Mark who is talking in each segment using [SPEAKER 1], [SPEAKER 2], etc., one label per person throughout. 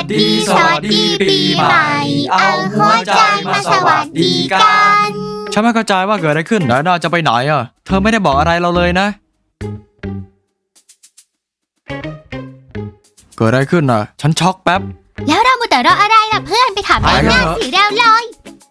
[SPEAKER 1] ดีปีใหม่เอาหัวใจมาสวัสดีกัน
[SPEAKER 2] ฉันไม่เข้าใจว่าเกิดอะไรขึ้นไดอาน่าจะไปไหนอ่ะเธอไม่ได้บอกอะไรเราเลยนะเกิดอะไรขึ้นอ่ะฉันช็อกแป๊บ
[SPEAKER 1] แล้วเรามัวแต่รออะไรล่ะเพื่อนไปถามไดอาน่าสิเร็วเลย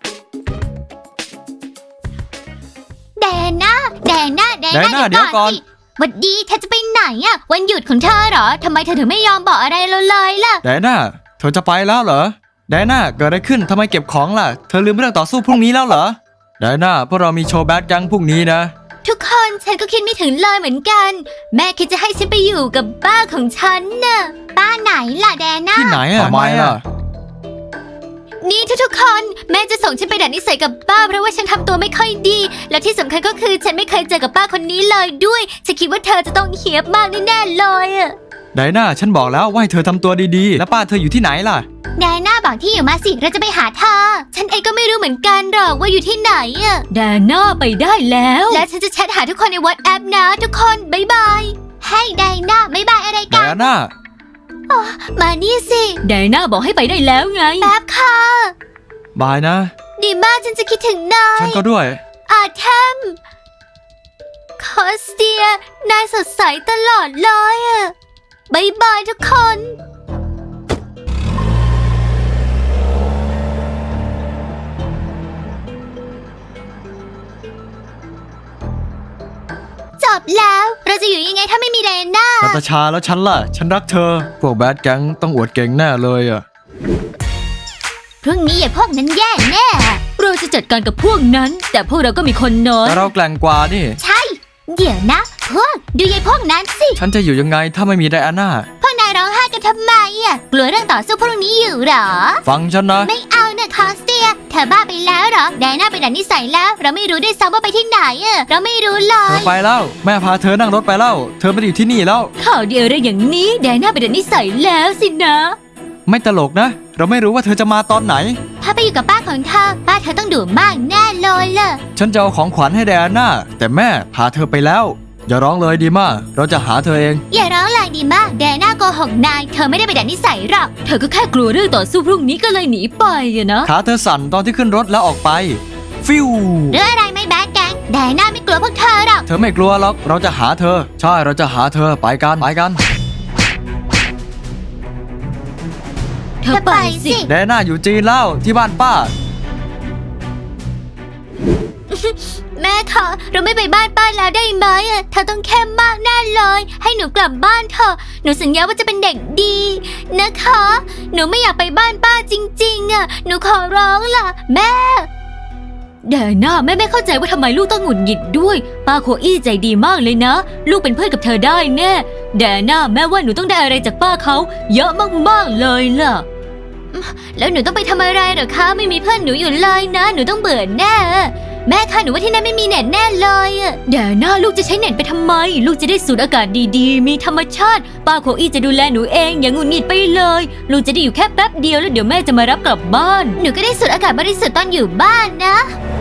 [SPEAKER 1] แดน่าเดี๋ยวก่อนสิวันดีเธอจะไปไหนอ่ะวันหยุดของเธอเหรอทำไมเธอถึงไม่ยอมบอกอะไรเราเลยล่ะ
[SPEAKER 2] ไดอาน่าเธอจะไปแล้วเหรอไดอาน่าเกิดอะไรขึ้นทำไมเก็บของล่ะเธอลืมเรื่องต่อสู้พรุ่งนี้แล้วเหรอไดอาน่าพวกเรามีโชว์แบดยังพรุ่งนี้นะ
[SPEAKER 1] ทุกคนฉันก็คิดไม่ถึงเลยเหมือนกันแม่คิดจะให้ฉันไปอยู่กับป้าของฉันน่ะป้าไหนล่ะแดน่า
[SPEAKER 2] ที่ไหนอ่ะทำไมล่ะ
[SPEAKER 1] นี่ทุกคนแม่จะส่งฉันไปดัดนิสัยกับป้าเพราะว่าฉันทำตัวไม่ค่อยดีและที่สำคัญก็คือฉันไม่เคยเจอกับป้าคนนี้เลยด้วยฉันคิดว่าเธอจะต้องเหี้ยบมากแน่ๆเลยอะ
[SPEAKER 2] ไดอาน่าฉันบอกแล้วว่าให้เธอทำตัวดีๆแล้วป้าเธออยู่ที่ไหนล่ะ
[SPEAKER 1] ไดอาน่าบอกที่อยู่มาสิเราจะไปหาเธอฉันเองก็ไม่รู้เหมือนกันหรอกว่าอยู่ที่ไหนอะ
[SPEAKER 3] ไดอาน่าไปได้แล้ว
[SPEAKER 1] และฉันจะแชทหาทุกคนใน WhatsApp นะทุกคนบ๊ายบายให้ไดอาน่าบ๊ายบายอะไรกัน
[SPEAKER 2] ไดอาน่า
[SPEAKER 1] มานี่สิ
[SPEAKER 3] ไดอาน่าบอกให้ไปได้แล้วไง
[SPEAKER 1] แป๊บค่ะ
[SPEAKER 2] บายนะ
[SPEAKER 1] ดีมากฉันจะคิดถึงนาย
[SPEAKER 2] ฉันก็ด้วย
[SPEAKER 1] อาเทมคอสเตียนายสดใสตลอดเลยอะบ๊ายบายทุกคนจบแล้วเราจะอยู่ยังไงถ้าไม่มีไดอาน่า
[SPEAKER 2] นาตาชาแล้วฉันล่ะฉันรักเธอพวกแบดแก๊งต้องอวดเก่งแน่เลยอะ
[SPEAKER 1] พรุ่งนี้อย่าพวกนั้นแย่แน่
[SPEAKER 3] เราจะจัดการกับพวกนั้นแต่พวกเราก็มีคนน้อย
[SPEAKER 2] แต่เราแกร่งกว่านี่
[SPEAKER 1] ใช่เดี๋ยวนะพวกดูยายพวกนั้นสิ
[SPEAKER 2] ฉันจะอยู่ยังไงถ้าไม่มีไดอาน่า
[SPEAKER 1] พวกนายร้องไห้กันทำไมอ่ะกลัวเรื่องต่อสู้พรุ่งนี้อยู่หรอ
[SPEAKER 2] ฟังฉันนะ
[SPEAKER 1] ไม่เอานะคอสเตียเธอบ้าไปแล้วหรอไดอาน่าไปดัดนิสัยแล้วเราไม่รู้ด้วยซ้ำว่าไปที่ไหนอ่ะเราไม่รู้เลย
[SPEAKER 2] เธอไปแล้วแม่พาเธอนั่งรถไปแล้วเธอไม่ได้อยู่ที่นี่แล้ว
[SPEAKER 3] ข่าวเดียวอะไรอย่างนี้ไดอาน่าไปดัดนิสัยแล้วสินะ
[SPEAKER 2] ไม่ตลกนะเราไม่รู้ว่าเธอจะมาตอนไหน
[SPEAKER 1] ถ้าไปอยู่กับป้าของเธอป้าเธอต้องดุมากแน่เลยล่ะ
[SPEAKER 2] ฉันจะเอาของขวัญให้ไดอาน่าแต่แม่พาเธอไปแล้วอย่าร้องเลยดีมากเราจะหาเธอเอง
[SPEAKER 1] อย่าร้องเลยดีมากไดอาน่าโกหกนายเธอไม่ได้ไปดัดนิสัยหรอก
[SPEAKER 3] เธอก็แค่กลัวเรื่องต่อสู้พรุ่งนี้ก็เลยหนีไปอะนะ
[SPEAKER 2] ขาเธอสั่นตอนที่ขึ้นรถแล้วออกไปฟิว
[SPEAKER 1] เรื่องอะไรไม่แบดแกงไดอาน่าไม่กลัวพวกเธอหรอก
[SPEAKER 2] เธอไม่กลัวหรอกเราจะหาเธอใช่เราจะหาเธอไปกัน
[SPEAKER 1] เธอไปสิ
[SPEAKER 2] ไดอาน่าอยู่จีนแล้วที่บ้านป้า
[SPEAKER 1] แม่คะเราไม่ไปบ้านป้าแล้วได้ไหมเธอต้องเข้มมากแน่เลยให้หนูกลับบ้านเถอะหนูสัญญาว่าจะเป็นเด็กดีนะคะหนูไม่อยากไปบ้านป้าจริงๆหนูขอร้องล่ะแม่
[SPEAKER 3] ไดอาน่าแม่ไม่เข้าใจว่าทำไมลูกต้องหงุดหงิดด้วยป้าโคอี้ใจดีมากเลยนะลูกเป็นเพื่อนกับเธอได้แน่ไดอาน่าแม่ว่าหนูต้องได้อะไรจากป้าเขาเยอะมากๆเลยล่ะ
[SPEAKER 1] แล้วหนูต้องไปทำอะไรเหรอคะไม่มีเพื่อนหนูอยู่เลยนะหนูต้องเบื่อแน่แม่คะหนูว่าที่นั่นไม่มีเน็ตแน่เลย
[SPEAKER 3] ไดอาน่าลูกจะใช้เน็ตไปทำไมลูกจะได้สูดอากาศดีๆมีธรรมชาติป้าโคอี้จะดูแลหนูเองอย่างหงุดหงิดไปเลยลูกจะได้อยู่แค่แป๊บเดียวแล้วเดี๋ยวแม่จะมารับกลับบ้าน
[SPEAKER 1] หนูก็ได้สูดอากาศบริสุทธิ์ตอนอยู่บ้านนะ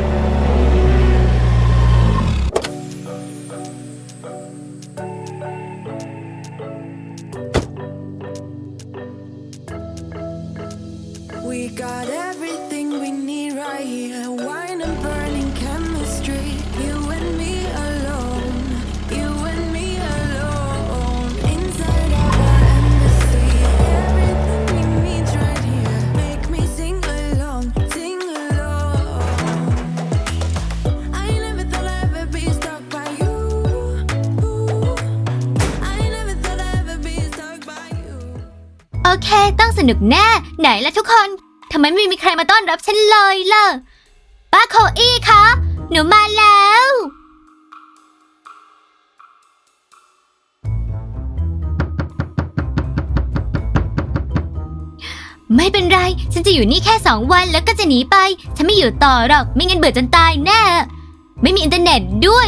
[SPEAKER 4] We got everything we need right here. Wine and burning chemistry. You and me alone. You and me alone. Inside our embassy. Everything we need right here. Make me sing along. I never thought I'd ever be stuck by you. I never thought I'd ever be stuck by you.
[SPEAKER 1] โอเคต้องสนุกแน่ไหนล่ะทุกคนทำไมไม่มีใครมาต้อนรับฉันเลยล่ะป้าโคอี้คะหนูมาแล้วไม่เป็นไรฉันจะอยู่นี่แค่2 วันแล้วก็จะหนีไปฉันไม่อยู่ต่อหรอกไม่งั้นเบื่อจนตายแน่ไม่มีอินเทอร์เน็ตด้วย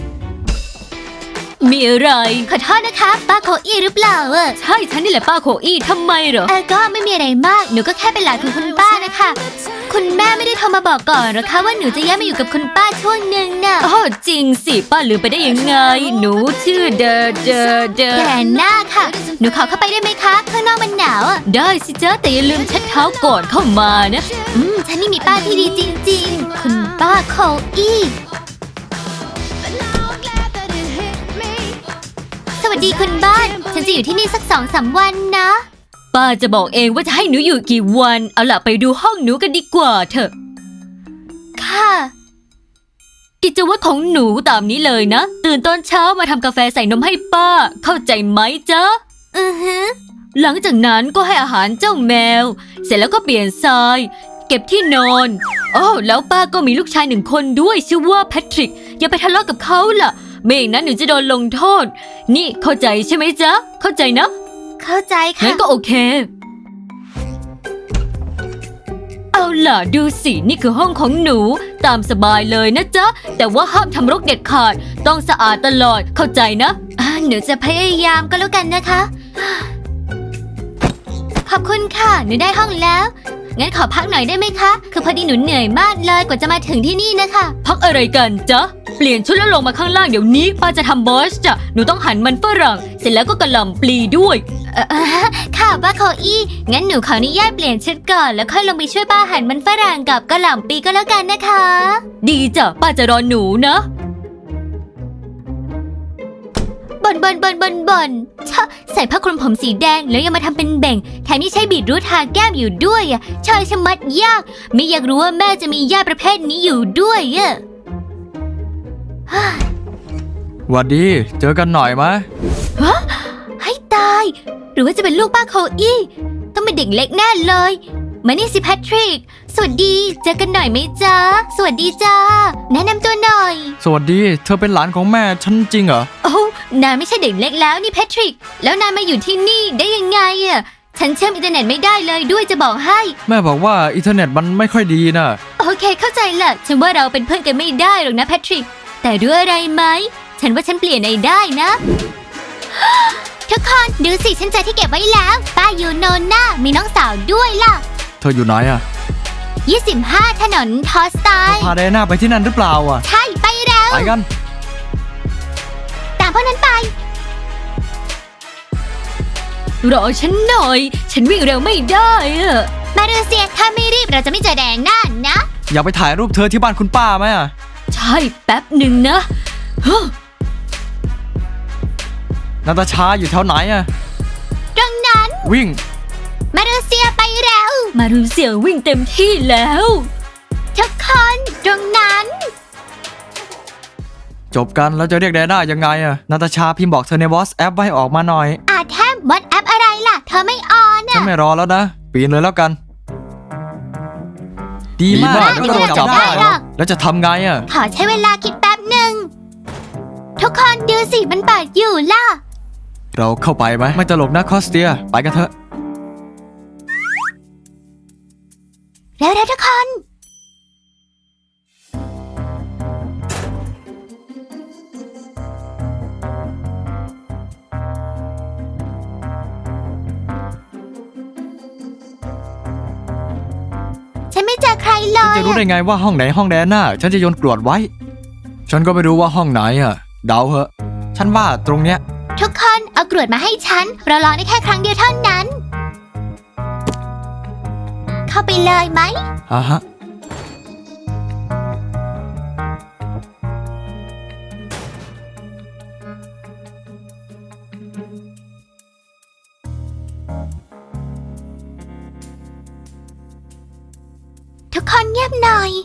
[SPEAKER 3] มีอะไร
[SPEAKER 1] ขอโทษนะคะป้าโคอี้หรือเปล่า
[SPEAKER 3] ใช่ฉันนี่แหละป้าโคอี้ทำไมเหรอ
[SPEAKER 1] ก็ไม่มีอะไรมากหนูก็แค่เป็นหลานของคุณป้านะคะคุณแม่ไม่ได้โทรมาบอกก่อนหรอคะว่าหนูจะย้ายมาอยู่กับคุณป้าช่วงหนึ่งน่ะ
[SPEAKER 3] อ๋อจริงสิป้าลืมไปได้ยังไง หนูชื่อเดอ
[SPEAKER 1] แดนน่าค่ะ หนูขอเข้าไปได้ไหมคะข้างนอกมันหนาวอ่ะ
[SPEAKER 3] ได้สิจ๊ะแต่อย่าลืมเช็ดเท้าก่อนเข้ามานะ
[SPEAKER 1] ฉันนี่มีป้าที่ดีจริงๆ คุณป้าโคอี้ สวัสดีคุณบ้าน ฉันจะอยู่ที่นี่สัก2-3 วันนะ
[SPEAKER 3] ป้าจะบอกเองว่าจะให้หนูอยู่กี่วัน เอาล่ะไปดูห้องหนูกันดีกว่าเถอะ
[SPEAKER 1] ค่ะ
[SPEAKER 3] กิจวัตรของหนูตามนี้เลยนะ ตื่นตอนเช้ามาทำกาแฟใส่นมให้ป้า เข้าใจไหมจ๊ะ
[SPEAKER 1] อือฮึ
[SPEAKER 3] หลังจากนั้นก็ให้อาหารเจ้าแมว เสร็จแล้วก็เปลี่ยนทราย เก็บที่นอนอ้อแล้วป้าก็มีลูกชาย1 คนด้วยชื่อว่าแพทริก อย่าไปทะเลาะกับเขาล่ะไม่อย่างนั้นหนูจะโดนลงโทษ นี่เข้าใจใช่ไหมจ๊ะ เข้าใจนะ
[SPEAKER 1] เข้าใจค่ะ
[SPEAKER 3] งั้นก็โอเค เอาล่ะดูสินี่คือห้องของหนูตามสบายเลยนะจ๊ะ แต่ว่าห้ามทำรกเด็ดขาด ต้องสะอาดตลอดเข้าใจนะ
[SPEAKER 1] หนูจะพยายามก็แล้วกันนะคะ ขอบคุณค่ะ หนูได้ห้องแล้ว งั้นขอพักหน่อยได้ไหมคะ คือพอดีหนูเหนื่อยมากเลยกว่าจะมาถึงที่นี่นะคะ
[SPEAKER 3] พักอะไรกันจ๊ะ เปลี่ยนชุดแล้วลงมาข้างล่างเดี๋ยวนี้ป้าจะทำบอสจ้ะหนูต้องหั่นมันฝรั่ง เสร็จแล้วก็กระหล่ำปลีด้วย
[SPEAKER 1] ค่ะป้าโคอี้ งั้นหนูขออนุญาตเปลี่ยนชุดก่อนแล้วค่อยลงไปช่วยป้าหั่นมันฝรั่งกับกระหล่ำปีก็แล้วกันนะคะ
[SPEAKER 3] ดีจ้ะป้าจะรอหนูนะ
[SPEAKER 1] บ่นชะใส่ผ้าคลุมผมสีแดงแล้วยังมาทำเป็นแบ่ง แถมยังใช้บีทรูททาแก้มอยู่ด้วยอ่ะชอยชะมัดยาก ไม่อยากรู้ว่าแม่จะมีญาติประเภทนี้อยู่ด้วยอ่ะ
[SPEAKER 2] หวัดดี เจอกันหน่อยมะ
[SPEAKER 1] ให้ตาย หรือว่าจะเป็นลูกป้าโคอี้ต้องเป็นเด็กเล็กแน่เลย มานี่สิแพทริก สวัสดี เจอกันหน่อยไหมจ๊ะ สวัสดีจ้า แนะนำตัวหน่อย
[SPEAKER 2] สวัสดี เธอเป็นหลานของแม่ฉันจริงเหรอ
[SPEAKER 1] โอ้นายไม่ใช่เด็กเล็กแล้วนี่แพทริก แล้วนายมาอยู่ที่นี่ได้ยังไงอ่ะ ฉันเชื่อมอินเทอร์เน็ตไม่ได้เลยด้วยจะบอกให้
[SPEAKER 2] แม่บอกว่าอินเทอร์เน็ตมันไม่ค่อยดีนะ
[SPEAKER 1] โอเคเข้าใจละฉันว่าเราเป็นเพื่อนกันไม่ได้หรอกนะแพทริก แต่ด้วยอะไรไหม ฉันว่าฉันเปลี่ยนนายได้นะ ทุกคนดูสิฉันเจอที่เก็บไว้แล้ว ป้ายูโนน่ามีน้องสาวด้วยล่ะ
[SPEAKER 2] เธออยู่ไหนอะ
[SPEAKER 1] 25 ถนนทอสไตน์
[SPEAKER 2] พาไดอาน่าไปที่นั่นหรือเปล่าอะ
[SPEAKER 1] ใช่ไปแล้ว
[SPEAKER 2] ไปกัน
[SPEAKER 1] ตามพวกนั้นไป
[SPEAKER 3] รอฉันหน่อย ฉันวิ่งเร็วไม่ได้อะ
[SPEAKER 1] มาเลเซียถ้าไม่รีบเราจะไม่เจอแดงน่านะ
[SPEAKER 2] อยากไปถ่ายรูปเธอที่บ้านคุณป้าไหมอะ
[SPEAKER 3] ใช่แป๊บหนึ่งนะฮะ
[SPEAKER 2] นาตาชาอยู่แถวไหนอะ
[SPEAKER 1] ตรงนั้น
[SPEAKER 2] วิ่ง
[SPEAKER 1] มาเลเซียไปแล้ว
[SPEAKER 3] มารูเซียวิ่งเต็มที่แล้ว
[SPEAKER 1] ทุกคนตรงนั้น
[SPEAKER 2] จบกันแล้วจะเรียกไดอาน่ายังไงอะนาตาชาพิมพ์บอกเธอในวอทแอปไว้ออกมาหน่อย
[SPEAKER 1] แทมวอทแอปอะไรล่ะ เธอไม่ออน
[SPEAKER 2] ฉัน
[SPEAKER 1] อ่ะ
[SPEAKER 2] ไม่รอแล้วนะ ปีนเลยแล้วกัน ดีมาก
[SPEAKER 1] ดีมาก
[SPEAKER 2] แล้วก็โดนจับได้
[SPEAKER 1] ไม่ได้หรอก
[SPEAKER 2] แล้วจะทำไงอะ
[SPEAKER 1] ขอใช้เวลาคิดแป๊บหนึ่ง ทุกคนดูสิมันเปิดอยู่ล่ะ
[SPEAKER 2] เราเข้าไปไหมไม่ตลกนะคอสเตียไปกันเถอะ
[SPEAKER 1] แล้วทุกคน ฉันไม่เจอใครเล
[SPEAKER 2] ฉัน
[SPEAKER 1] ย
[SPEAKER 2] จะรู้ได้ไงว่าห้องไหนห้องไดอาน่าฉันจะโยนกรวดไว้ ฉันก็ไม่รู้ว่าห้องไหนอะเดาเหอะ ฉันว่าตรงเนี้ย
[SPEAKER 1] ทุกคนเอากรวดมาให้ฉัน เราลองได้แค่ครั้งเดียวเท่านั้น เข้าไปเลยไหม
[SPEAKER 2] อ่ะฮะ
[SPEAKER 1] ทุกคนเงียบหน่อย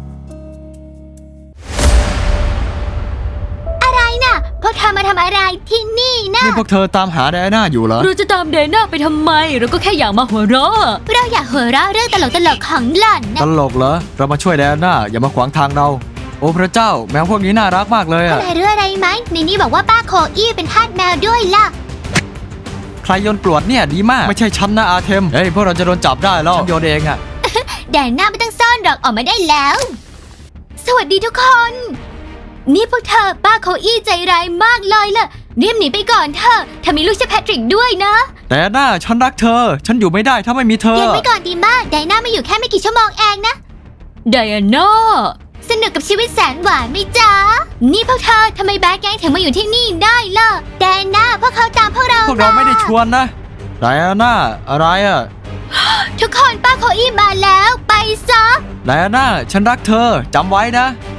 [SPEAKER 1] อะไรน่ะ พวกเธอมาทำอะไรที่นี่นะ
[SPEAKER 2] นี่พวกเธอตามหาไดอาน่าอยู่เหรอ
[SPEAKER 3] เราจะตามเดน่าไปทำไม เราก็แค่อยากมาหัวเราะ
[SPEAKER 1] เราอยากหัวเราะเรื่องตลกๆของหล่อน
[SPEAKER 2] ต
[SPEAKER 1] นะ
[SPEAKER 2] ลกเหรอ เรามาช่วยไดอาน่าอย่ามาขวางทางเรา โอ้พระเจ้า แมวพวกนี้น่ารักมากเลยอะ
[SPEAKER 1] อะไรเรื่องอะไรไหมในนี้บอกว่าป้าโคอี้เป็นทาสแมวด้วยล่ะ
[SPEAKER 2] ใครโยนกรวดเนี่ยดีมาก ไม่ใช่ฉันนะอาเทม เฮ้ยพวกเราจะโดนจับได้แล้วฉันโยนเองอะ
[SPEAKER 1] แดนหน้าไม่ต้องซ่อนหรอกออกมาได้แล้ว สวัสดีทุกคน นี่พวกเธอป้าโคอี้ใจร้ายมากเลยล่ะรีบหนีไปก่อนเถอะเธอมีลูกชื่อแพทริกด้วยนะ
[SPEAKER 2] ไดอาน่าฉันรักเธอ ฉันอยู่ไม่ได้ถ้าไม่มีเธอ
[SPEAKER 1] เย็นไว้ก่อนดีมากไดน่าไม่อยู่แค่ไม่กี่ชั่วโมงเองนะ
[SPEAKER 3] ไดอาน่า
[SPEAKER 1] สนุกกับชีวิตแสนหวานไหมจ๊ะ นี่พวกเธอทำไมแบดแก๊งถึงมาอยู่ที่นี่ได้ล่ะไดน่าพวกเขาตามพวกเรา
[SPEAKER 2] พวกเราไม่ได้ชวนนะไดอาน่าอะไรอะ
[SPEAKER 1] ทุกคนป้าโคอี้มาแล้วไปซะ
[SPEAKER 2] ไดอาน่าฉันรักเธอจำไว้นะ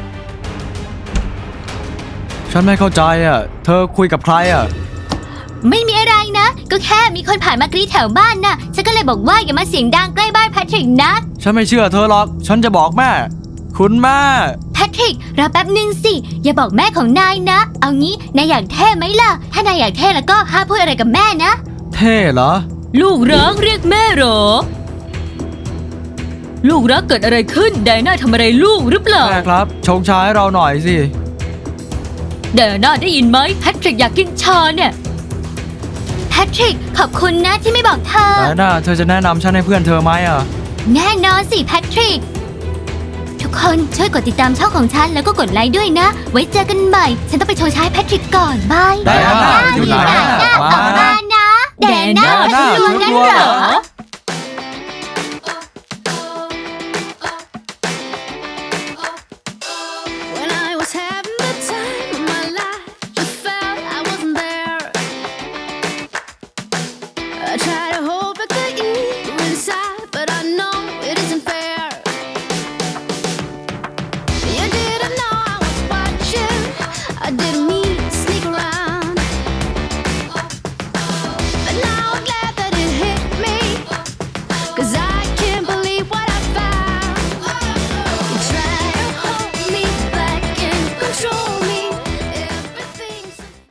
[SPEAKER 2] ฉันไม่เข้าใจอะเธอคุยกับใครอะ
[SPEAKER 1] ไม่มีอะไรนะ ก็แค่มีคนผ่านมากรีดแถวบ้านน่ะ ฉันก็เลยบอกว่าอย่ามาเสียงดังใกล้บ้านแพทริกนะ
[SPEAKER 2] ฉันไม่เชื่อเธอหรอก ฉันจะบอกแม่ คุณแม่
[SPEAKER 1] แพทริกรอแป๊บหนึ่งสิ อย่าบอกแม่ของนายนะ เอางี้นายอยากเท่ไหมล่ะ ถ้านายอยากเท่แล้วก็ห้ามพูดอะไรกับแม่นะ
[SPEAKER 2] เท่เหรอ
[SPEAKER 3] ลูกรักเรียกแม่เหรอ ลูกรักเกิดอะไรขึ้นไดอาน่าทำอะไรลูกหรือเปล่า
[SPEAKER 2] แม่ครับ ชงชาให้เราหน่อยสิ
[SPEAKER 3] ไดอาน่าได้ยินไหมแพทริกอยากกินชาเนี่ย
[SPEAKER 1] แพทริกขอบคุณนะที่ไม่บอกเธอ
[SPEAKER 2] ไดอาน่าเธอจะแนะนำฉันให้เพื่อนเธอไหมอะ
[SPEAKER 1] แน่นอนสิแพทริก ทุกคนช่วยกดติดตามช่องของฉันแล้วก็กดไลค์ด้วยนะ ไว้เจอกันใหม่ ฉันต้องไปโชว์ชายแพทริกก่อนบาย
[SPEAKER 2] ไดอาน่าอยู่ไหน